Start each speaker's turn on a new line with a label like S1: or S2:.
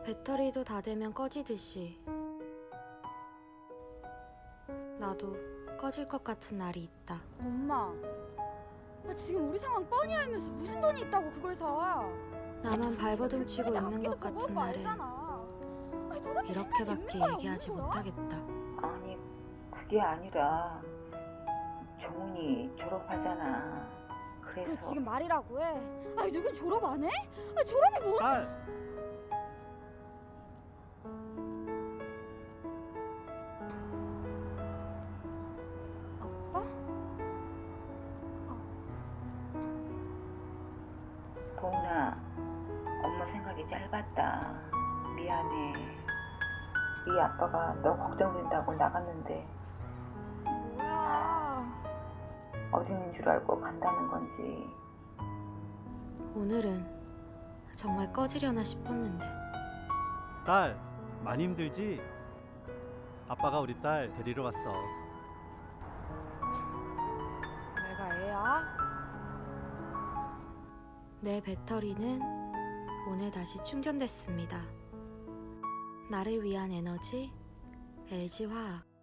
S1: 배터리도 다 되면 꺼지듯이 나도 꺼질 것 같은 날이 있다.
S2: 엄마, 지금 우리 상황 뻔히 알면서 무슨 돈이 있다고 그걸 사?
S1: 나만 발버둥 치고 있는 것 같은 날엔 이렇게밖에 얘기하지 못하겠다.
S3: 아니, 그게 아니라 정훈이 졸업하잖아.
S2: 그래
S3: 그래서
S2: 지금 말이라고 해. 누군 졸업 안 해? 졸업이 뭐?
S4: 딸!
S2: 아빠?
S3: 도훈아, 엄마 생각이 짧았다. 미안해. 이 아빠가 너 걱정된다고 나갔는데
S2: 뭐야?
S3: 어디 있는 줄 알고 간다는 건지.
S1: 오늘은 정말 꺼지려나 싶었는데
S4: 딸, 많이 힘들지? 아빠가 우리 딸 데리러 왔어.
S2: 내가 애야?
S1: 내 배터리는 오늘 다시 충전됐습니다. 나를 위한 에너지 LG화학.